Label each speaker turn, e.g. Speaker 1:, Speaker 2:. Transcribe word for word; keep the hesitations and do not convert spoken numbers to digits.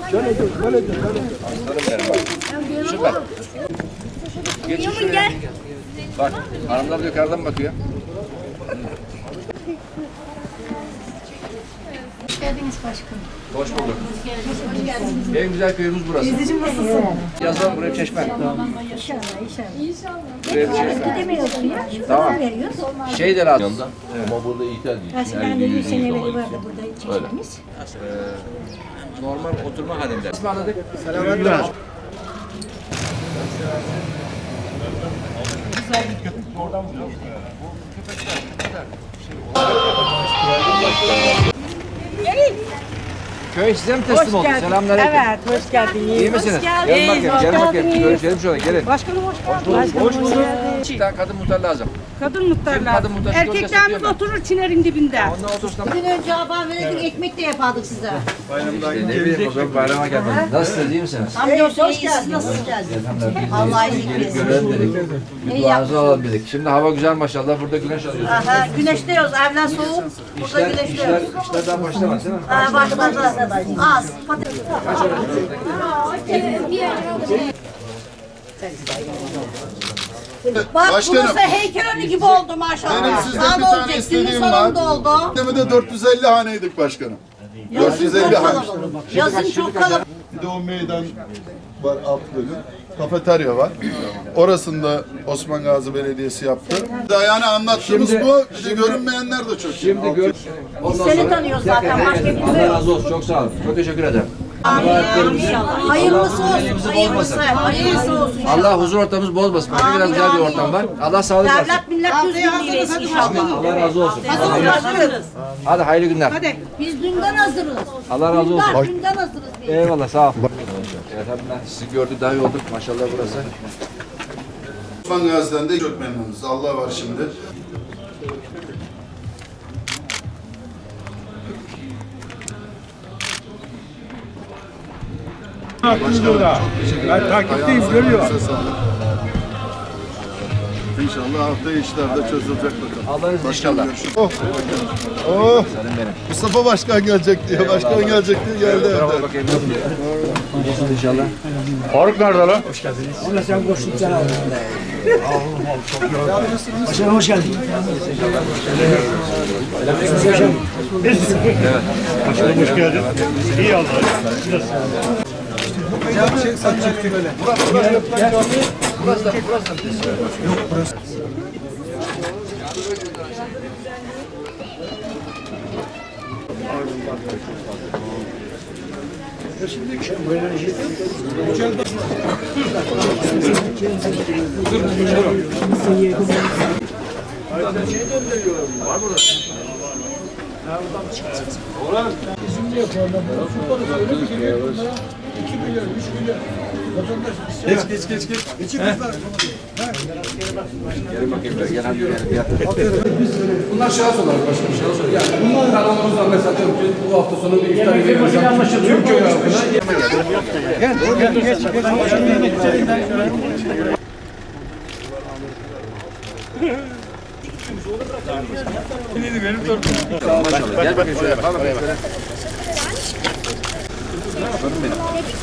Speaker 1: Şöyle dur, şöyle dur, şöyle dur.
Speaker 2: Aslanım benim bak. Süper. Geç şuraya. Bak, hanımlar da yukarıdan bakıyor.
Speaker 3: Hoş geldiniz başkanım.
Speaker 2: Hoş bulduk.
Speaker 3: Hoş geldiniz.
Speaker 2: En güzel köyümüz burası.
Speaker 3: Teyzeciğim nasılsın?
Speaker 2: Yazalım buraya çeşme.
Speaker 3: İnşallah, inşallah.
Speaker 2: Buraya bir çeşme.
Speaker 3: Gidemiyorsun ya.
Speaker 2: Tamam.
Speaker 3: Şuradan veriyoruz.
Speaker 2: Şey de lazım.
Speaker 4: Yanında. Ama burada ithal değil.
Speaker 3: Eskiden de yüz seneleri vardı burada çeşmemiz.
Speaker 2: Normal oturma halinde. İsmi anladık.
Speaker 1: Selamünaleyküm.
Speaker 2: Köy size mi teslim oldu? Selamünaleyküm.
Speaker 5: Evet, hoş geldiniz.
Speaker 2: İyi misiniz?
Speaker 5: Hoş geldiniz.
Speaker 2: Gelin bakayım,
Speaker 5: Hoş
Speaker 2: gelin bakayım.
Speaker 5: geldiniz.
Speaker 2: Görüşelim şöyle, gelin.
Speaker 5: Başkanım hoş geldiniz. Başkanım hoş geldiniz.
Speaker 2: Bir tane kadın muhtar lazım.
Speaker 5: Kadın muhtarlar.
Speaker 2: Kadın muhtar şu bölgesinde
Speaker 5: Erkeklerimiz
Speaker 2: diyor
Speaker 5: oturur çinerin dibinde.
Speaker 2: Ondan otursun.
Speaker 6: Dün önce haber verirdik, ekmek de yapardık size.
Speaker 2: İşte ne bileyim o zaman bayrama geldim. Nasılsınız, iyi misiniz?
Speaker 6: Hamdolsun hoş geldiniz. Nasıl geldiniz? Allah iyilik
Speaker 2: Gelip
Speaker 6: versin.
Speaker 2: görelim dedik. Bir duanızı alalım dedik. Şimdi hava güzel maşallah. Burada güneş alıyoruz.
Speaker 6: Aha, güneşliyoruz. Evden soğuk. Burada
Speaker 2: İşler, işler,
Speaker 6: güneşliyoruz.
Speaker 2: işler daha başlamaz değil mi?
Speaker 6: Ha, başladı. Az. Patates. Bak
Speaker 7: Başkanım.
Speaker 6: burası heykel önü gibi oldu maşallah.
Speaker 7: Benim sizden
Speaker 6: Daha
Speaker 7: bir
Speaker 6: da
Speaker 7: tane
Speaker 6: olacak. Günün
Speaker 7: istediğim var.
Speaker 6: sonunda oldu.
Speaker 7: Demi de dört yüz elli haneydik başkanım. dört yüz elli
Speaker 6: Çok
Speaker 7: hane.
Speaker 6: kalabalık. Yazın çok kalabalık.
Speaker 7: Bir de o meydan var alt bölüm. Kafeterya var. Orasında Osman Gazi Belediyesi yaptı. Yani anlattığımız
Speaker 2: Şimdi-
Speaker 7: bu. Bir de görünmeyenler de çok.
Speaker 2: Şimdi gör. Ondan
Speaker 6: Seni
Speaker 2: sonra-
Speaker 6: tanıyoruz zaten. Başka
Speaker 2: Allah
Speaker 6: bilmiyoruz.
Speaker 2: razı olsun. Çok sağ olun. Çok teşekkür ederim.
Speaker 6: İnşallah. Hayırlısı olsun.
Speaker 2: Elimizi
Speaker 6: Hayırlısı.
Speaker 2: bozmasın.
Speaker 6: Hayırlısı olsun.
Speaker 2: Allah huzur ortamımız bozmasın. Burada
Speaker 6: Amin,
Speaker 2: biraz güzel bir
Speaker 6: amin.
Speaker 2: ortam var. Allah sağlık versin.
Speaker 6: Devlet millet düz birliğiyle inşallah.
Speaker 2: Allah razı olsun.
Speaker 6: Hazırız.
Speaker 2: Hadi hayırlı günler.
Speaker 6: Biz dünden hazırız.
Speaker 2: Allah razı olsun.
Speaker 6: Dünden, dünden hazırız biz.
Speaker 2: Eyvallah sağ ol. Evet abi sizi gördük daha iyi olduk. Maşallah burası.
Speaker 7: Osman Gazi'den de çok memnunuz. Allah var şimdi.
Speaker 1: Hakkınız burada. Ben takipteyim, görüyorum.
Speaker 7: İnşallah haftaya işler de çözülecek bakalım.
Speaker 2: Allah'ın izniyle inşallah.
Speaker 7: Oh. Oh.
Speaker 2: Senin benim.
Speaker 7: Mustafa Başkan gelecek diye. Başkan gelecek diye geldi evde.
Speaker 2: Bravo bakayım. İyisin inşallah.
Speaker 1: Faruk nerede lan? Hoş geldin. İyi Allah'a.
Speaker 2: Burası da burası da. Gel bakayım böyle gel hadi gel.
Speaker 8: Bunlar şahıs olarak başkanım, şahıs olarak. Yani bunlar kanalımızdan mesela atıyorum ki bu hafta sonu bir iftar yemeği yapacağım. Tüm köy halkına.
Speaker 1: Gel, gel, geç, geç.
Speaker 2: Maşallah gel bakayım şöyle. Al bakayım şöyle.